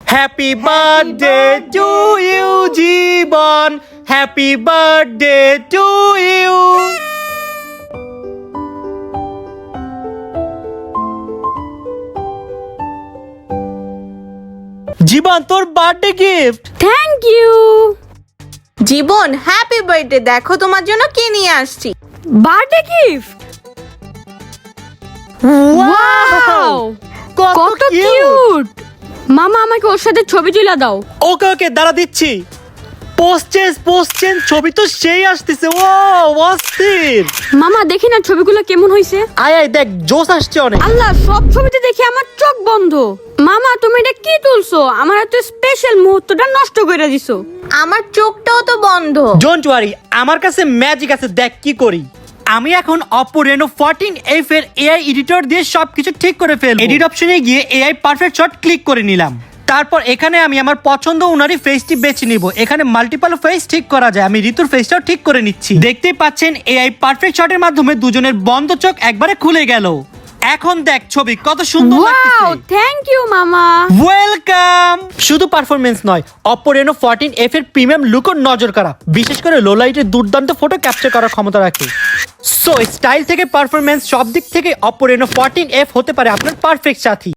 Happy birthday to you Jibon, happy birthday to you. Jibon, তোর birthday gift. Thank you. Jibon happy birthday, দেখো তোমার জন্য কি নিয়ে আসছি। বার্থডে গিফট, ওয়াও কত কিউট। মামা আমাকে ওর সাথে ছবি তুলে দাও। ওকে ওকে, দাঁড়া দিচ্ছি। পোস্ট চেঞ্জ, ছবি তো সেই আসতেছে। ও অস্থির। মামা দেখি না ছবিগুলো কেমন হইছে। আয় আয় দেখ, জোশ আসছে অনেক। আল্লাহ, সব ছবিতে দেখি আমার চোখ বন্ধ। মামা তুমি এটা কি তুলছো? আমার এত স্পেশাল মুহূর্তটা নষ্ট করে দিছো। আমার চোখটাও তো বন্ধ। ডোন্ট ওয়ারি, আমার কাছে ম্যাজিক আছে, দেখ কি করি। আমি এখন Oppo Reno 14F এর AI এডিটর দিয়ে সবকিছু ঠিক করে ফেলবো। এডিট অপশনে গিয়ে AI পারফেক্ট শট ক্লিক করে নিলাম। তারপর এখানে আমি আমার পছন্দ অনুযায়ী ফেসটি বেছে নিব। এখানে মাল্টিপল ফেস ঠিক করা যায়, আমি ঋতুর ফেসটাও ঠিক করে নিচ্ছি। দেখতেই পাচ্ছেন AI পারফেক্ট শটের মাধ্যমে দুজনের বন্ধ চোখ একবারে খুলে গেল। এখন দেখ ছবি কত সুন্দর ওয়াও, লাগতেছে। থ্যাংক ইউ মামা। ওয়েলকাম। শুধু পারফরমেন্স নয়, Oppo Reno 14F এর প্রিমিয়াম লুকও নজর কাড়া, বিশেষ করে লো লাইটের দুর্দান্ত ফটো ক্যাপচার করার ক্ষমতা রাখে। সো স্টাইল থেকে পারফরমেন্স সব দিক থেকে Oppo Reno 14F হতে পারে আপনার পারফেক্ট সাথী।